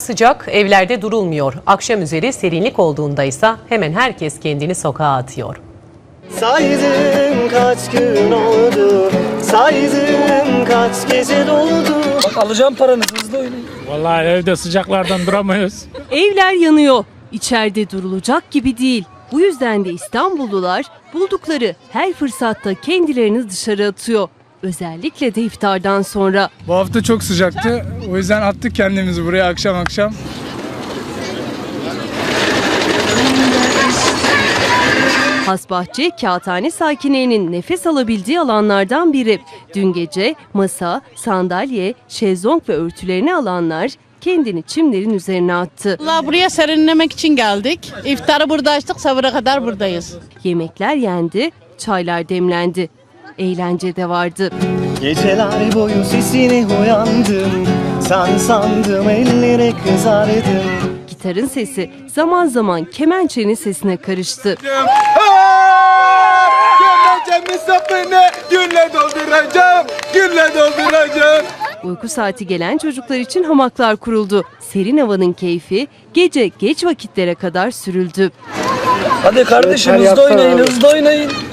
Sıcak evlerde durulmuyor. Akşam üzeri serinlik olduğunda ise hemen herkes kendini sokağa atıyor. Saydım kaç gün oldu, saydım kaç gece doldu. Bak alacağım paranızı, hızlı oynayın. Vallahi evde sıcaklardan duramıyoruz. Evler yanıyor. İçeride durulacak gibi değil. Bu yüzden de İstanbullular buldukları her fırsatta kendilerini dışarı atıyor. Özellikle de iftardan sonra. Bu hafta çok sıcaktı. O yüzden attık kendimizi buraya akşam akşam. Hasbahçe, Kağıthane sakinlerinin nefes alabildiği alanlardan biri. Dün gece masa, sandalye, şezlong ve örtülerini alanlar kendini çimlerin üzerine attı. Vallahi buraya serinlemek için geldik. İftarı burada açtık, sahura kadar buradayız. Yemekler yendi, çaylar demlendi. Eğlence de vardı. Geceler boyu sesine uyandım, sen sandım ellere kızardım. Gitarın sesi zaman zaman kemençenin sesine karıştı. Kemençemi sapını gülle dolduracağım, gülle dolduracağım. Uyku saati gelen çocuklar için hamaklar kuruldu. Serin havanın keyfi gece geç vakitlere kadar sürüldü. Hadi kardeşim hızlı oynayın, hızlı oynayın.